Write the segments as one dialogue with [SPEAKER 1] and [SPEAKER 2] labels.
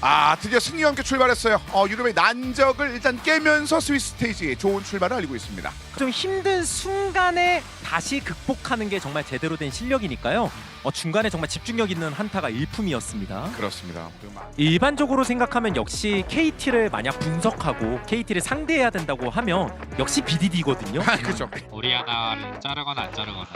[SPEAKER 1] 드디어 승리와 함께 출발했어요. 유럽의 난적을 일단 깨면서 스위스 스테이지에 좋은 출발을 알리고 있습니다.
[SPEAKER 2] 좀 힘든 순간에 다시 극복하는 게 정말 제대로 된 실력이니까요. 중간에 정말 집중력 있는 한타가 일품이었습니다.
[SPEAKER 1] 그렇습니다.
[SPEAKER 2] 일반적으로 생각하면 역시 KT를 만약 분석하고 KT를 상대해야 된다고 하면 역시 BDD거든요.
[SPEAKER 1] 그렇죠.
[SPEAKER 3] 오리아나를 자르거나 안 자르거나.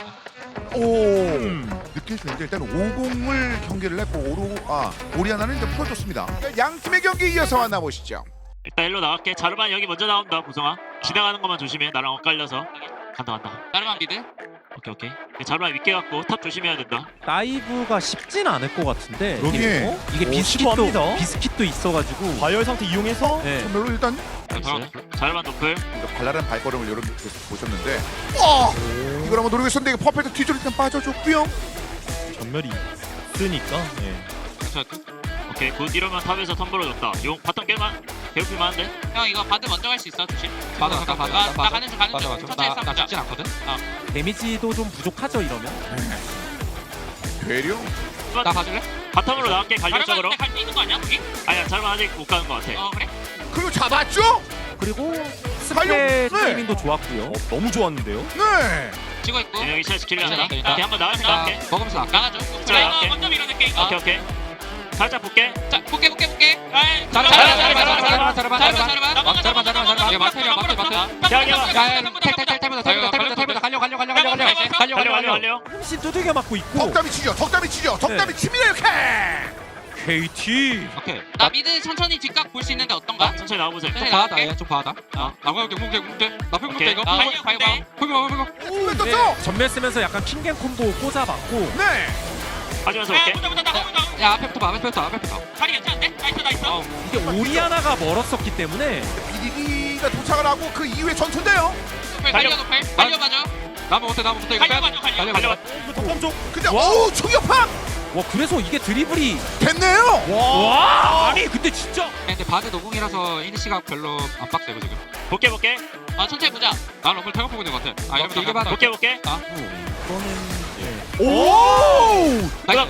[SPEAKER 1] 느낄 수 있는데 일단 50을 경기를 했고 오리아나는 이제 풀어줬습니다. 양 팀의 경기 이어서 만나보시죠.
[SPEAKER 4] 일단 일로 나갈게. 자르반 여기 먼저 나온다. 보성아 지나가는 것만 조심해. 나랑 엇갈려서. 간다.
[SPEAKER 3] 자르만 미드?
[SPEAKER 4] 오케이. 자르반 믿게 갖고 탑 조심해야 된다.
[SPEAKER 2] 다이브가 쉽진 않을 것 같은데
[SPEAKER 1] 그러게.
[SPEAKER 2] 이게 비스킷도 있어가지고
[SPEAKER 5] 과열 상태 이용해서
[SPEAKER 2] 네.
[SPEAKER 1] 선별로 일단
[SPEAKER 4] 자르반 노플.
[SPEAKER 1] 발랄한 발걸음을 여러분 보셨는데 이걸 한번 노리고 있었는데 이게 퍼펙트 뒤쪽으로 일단 빠져줬고요.
[SPEAKER 5] 전멸이 있으니까
[SPEAKER 4] 오케이 굿. 이러면 탑에서 텀블러 줬다. 용 바텀 깨만 괴롭힐만 한데.
[SPEAKER 3] 형 이거 바드 먼저 갈 수 있어 조심.
[SPEAKER 6] 맞아.
[SPEAKER 3] 나 가는 중 천천히
[SPEAKER 6] 나
[SPEAKER 3] 싸우자.
[SPEAKER 6] 죽진 않거든.
[SPEAKER 2] 데미지도 좀 부족하죠 이러면.
[SPEAKER 1] 되려?
[SPEAKER 6] 나 봐줄래?
[SPEAKER 4] 바텀으로 나갈게. 간략적으로.
[SPEAKER 3] 갈수 있는 거 아니야? 우리?
[SPEAKER 4] 아니야 자르반 아직 못 가는 것 같아.
[SPEAKER 3] 그래?
[SPEAKER 1] 그리고 잡았죠?
[SPEAKER 2] 그리고
[SPEAKER 1] 가요?
[SPEAKER 2] 스페
[SPEAKER 1] 네.
[SPEAKER 2] 타이밍도 좋았고요.
[SPEAKER 5] 너무 좋았는데요.
[SPEAKER 1] 네.
[SPEAKER 3] 지고 있고.
[SPEAKER 4] 여기 시야 지키려 한다.
[SPEAKER 6] 일단.
[SPEAKER 4] 오케이 한번 나갈
[SPEAKER 6] 나
[SPEAKER 4] 생각할게.
[SPEAKER 6] 먹으면서 나갈게.
[SPEAKER 3] 나가줘.
[SPEAKER 4] 자,
[SPEAKER 3] 자
[SPEAKER 4] 오케이.
[SPEAKER 3] 이거 먼저 밀어낼게 이거.
[SPEAKER 4] 오케이. 살짝 볼게.
[SPEAKER 3] 자 볼게.
[SPEAKER 6] 자르반. 이거 마트.
[SPEAKER 4] 달려.
[SPEAKER 2] 훨씬 두들겨 맞고 있고.
[SPEAKER 1] 덕담이 치죠. 덕담이 칩니다 이렇게.
[SPEAKER 2] KT
[SPEAKER 6] 오케이.
[SPEAKER 3] 나 미드 천천히 뒷각 볼 수 있는데 어떤가?
[SPEAKER 4] 천천히 나와보세요.
[SPEAKER 3] 네.
[SPEAKER 6] 봐다. 얘 좀 봐다. 나가게 공대. 나 팽공대
[SPEAKER 4] 오케이.
[SPEAKER 6] 이거.
[SPEAKER 3] 공대.
[SPEAKER 1] 왜
[SPEAKER 2] 네,
[SPEAKER 1] 떴죠?
[SPEAKER 2] 전멸 쓰면서 약간 킹갱 콤보 꽂아봤고
[SPEAKER 1] 네.
[SPEAKER 4] 가지면서 볼게.
[SPEAKER 6] 야 앞에부터 봐. 앞에부터.
[SPEAKER 3] 다리 괜찮은데? 나이스.
[SPEAKER 2] 이게 오리아나가 멀었었기 때문에
[SPEAKER 1] BDD가 도착을 하고 그 이후에 전투인데요.
[SPEAKER 3] 달려봐줘.
[SPEAKER 6] 나무 못해 이거 빼.
[SPEAKER 4] 달려.
[SPEAKER 5] 덕담 쪽.
[SPEAKER 1] 근데 오 충격파
[SPEAKER 2] 와 그래서 이게 드리블이
[SPEAKER 1] 됐네요.
[SPEAKER 2] 와 아니 근데 진짜
[SPEAKER 6] 근데 바드 노공이라서 이니시가 별로 안 빡세고 지금.
[SPEAKER 4] 볼게.
[SPEAKER 3] 천천히 보자.
[SPEAKER 6] 나 럼블 태워보고 있는 것 같아. 이러면 길게 봐도.
[SPEAKER 4] 볼게.
[SPEAKER 1] 오.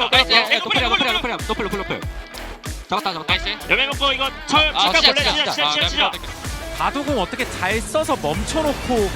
[SPEAKER 6] 노플. 잡았다.
[SPEAKER 3] 나이스.
[SPEAKER 4] 여매 먹고 이거 철 잠깐 볼래? 시작.
[SPEAKER 2] 바둑은 어떻게 잘 써서 멈춰놓고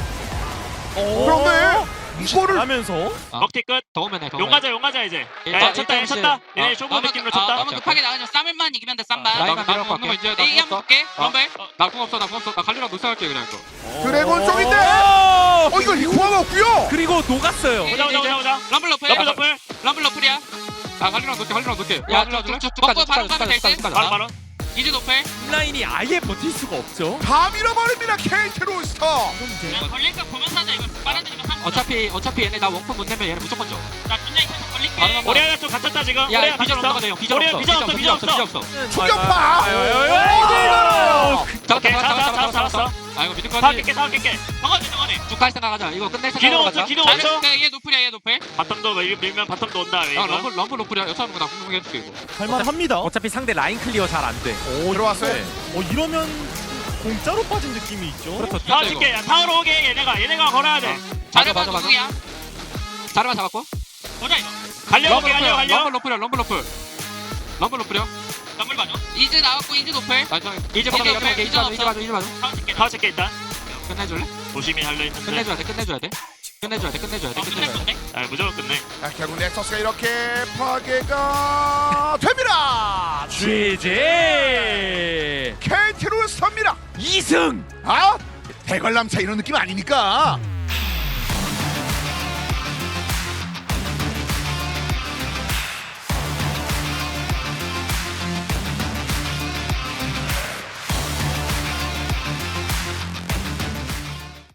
[SPEAKER 1] 그런데 이거를
[SPEAKER 5] 하면서
[SPEAKER 4] 먹튀 끝.
[SPEAKER 6] 더우면 해.
[SPEAKER 4] 용 가자 이제.
[SPEAKER 6] 일단
[SPEAKER 4] 야 쳤다. 얘네 쇼부 느낌으로 쳤다.
[SPEAKER 3] 너무 급하게 나가죠. 쌈을만 이기면 돼 쌈만.
[SPEAKER 6] 라인만 밀어갖고 할게.
[SPEAKER 3] 이기 한번 볼게. 럼블.
[SPEAKER 6] 나궁 없어. 나 갈리랑 노사할게 그냥 이거.
[SPEAKER 1] 드래곤 쪽인데. 이거 리코아가 없고요.
[SPEAKER 2] 그리고 녹았어요.
[SPEAKER 4] 보자.
[SPEAKER 3] 럼블 러플. 럼블 러플이야.
[SPEAKER 6] 나 갈리랑 놓게.
[SPEAKER 3] 야,
[SPEAKER 6] 쭉쭉쭉
[SPEAKER 3] 먹고 바로 가면 될 듯?
[SPEAKER 4] 바로.
[SPEAKER 3] 이즈 노플.
[SPEAKER 2] 라인이 아예 버틸 수가 없죠.
[SPEAKER 1] 다 밀어버립니다 KT 롤스터.
[SPEAKER 3] 걸릴 거 보면서 하자. 이거 빨아들이면 상관.
[SPEAKER 6] 어차피 얘네 나 원품 못 내면 얘네 무조건 져.
[SPEAKER 3] 나 분야 있어서 걸릴게.
[SPEAKER 6] 바로 넘어.
[SPEAKER 4] 오리아나 좀 갇혔다 지금.
[SPEAKER 6] 야,
[SPEAKER 4] 오리아나
[SPEAKER 6] 비전
[SPEAKER 4] 갇혔어.
[SPEAKER 6] 없어. 비전
[SPEAKER 4] 오리아나
[SPEAKER 6] 없어.
[SPEAKER 4] 비전 없어.
[SPEAKER 1] 충격파.
[SPEAKER 4] 잡았어.
[SPEAKER 6] 아 이거 미드까지.
[SPEAKER 4] 사업 깰게.
[SPEAKER 3] 정원해.
[SPEAKER 6] 쭉갈 생각하자. 이거 끝낼
[SPEAKER 4] 기동
[SPEAKER 6] 생각으로 가자.
[SPEAKER 4] 없어. 기동 없어.
[SPEAKER 3] 얘 노플이야. 얘 노플.
[SPEAKER 4] 바텀도 밀면 바텀도 온다.
[SPEAKER 6] 야 럼블 노플이야. 여차하면 나 궁금해줄게 이거.
[SPEAKER 5] 할만합니다.
[SPEAKER 2] 어차피 상대 라인 클리어 잘 안 돼.
[SPEAKER 1] 들어왔어요.
[SPEAKER 5] 이러면 공짜로 빠진 느낌이 있죠.
[SPEAKER 2] 그렇죠.
[SPEAKER 4] 다 줄게. 타워로 오게. 얘네가 걸어야 돼.
[SPEAKER 3] 자르반
[SPEAKER 6] 맞아.
[SPEAKER 3] 누구야?
[SPEAKER 6] 자르만 잡았고.
[SPEAKER 3] 보자 이거.
[SPEAKER 4] 갈려볼게. 갈려.
[SPEAKER 6] 럼블 노플이야. 럼블 노플이야.
[SPEAKER 3] 럼블 봐줘. 이즈 나왔고 이즈 노플.
[SPEAKER 6] 이제
[SPEAKER 3] 오케이,
[SPEAKER 6] 봐줘.
[SPEAKER 3] 오케이.
[SPEAKER 6] 이제 봐줘.
[SPEAKER 4] 타워 줄게 일단.
[SPEAKER 6] 끝내줄래?
[SPEAKER 4] 조심히 할려 했는데.
[SPEAKER 6] 끝내줘야 돼.
[SPEAKER 3] 끝낼 건데?
[SPEAKER 4] 무조건 끝내.
[SPEAKER 1] 결국 넥서스가 이렇게 파괴가 됩니다.
[SPEAKER 2] GG
[SPEAKER 1] KT 롤스터입니다.
[SPEAKER 2] 2승.
[SPEAKER 1] 대관람차 이런 느낌 아닙니까?